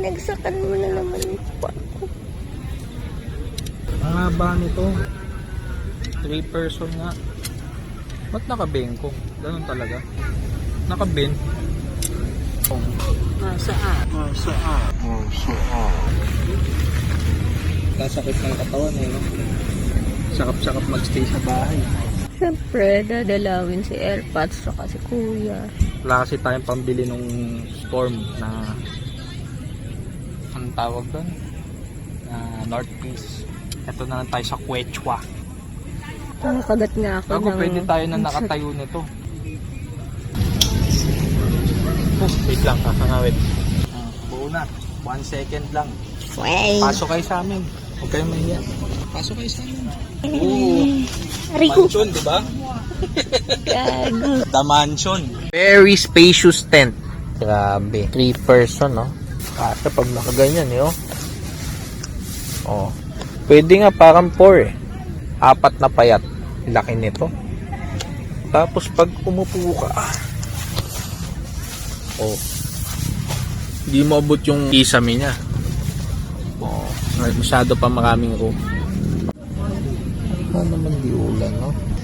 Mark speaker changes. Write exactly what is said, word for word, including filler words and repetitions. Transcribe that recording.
Speaker 1: Binagsakan mo na naman pa.
Speaker 2: Ang haba nito. Three person nga. Ba't nakabengkong? Ganun talaga. Nakabend. Nasaan? Nasaan? Nasaan? Nasakit ng katawan eh, no? Sakap-sakap magstay sa bahay.
Speaker 1: Siyempre, dadalawin si Airpods saka si Kuya.
Speaker 2: Wala kasi tayong pambili nung storm na anong tawag doon? Na North Peace. Ito na lang tayo sa Quechua.
Speaker 1: Nakakagat nga ako
Speaker 2: Bago
Speaker 1: ng...
Speaker 2: pwede tayo na nakatayo nito. Oh, wait lang, kakangawit. Uh, buo na. One second lang.
Speaker 1: Wey!
Speaker 2: Pasok kayo sa amin. Huwag kayong mahiya. Pasok kayo sa amin. Oo.
Speaker 1: Rico!
Speaker 2: Mansion, di ba?
Speaker 1: Gago!
Speaker 2: The mansion. Very spacious tent. Grabe. Three person, no? Kasi pag nakaganyan, eh, oh. Oh. Pwede nga parang four, eh. Apat na payat. Laki nito. Tapos pag umupo ka, oh. Hindi mo abot yung kisame niya. Oh. Masyado pa maraming room. Ano naman di ulan, no?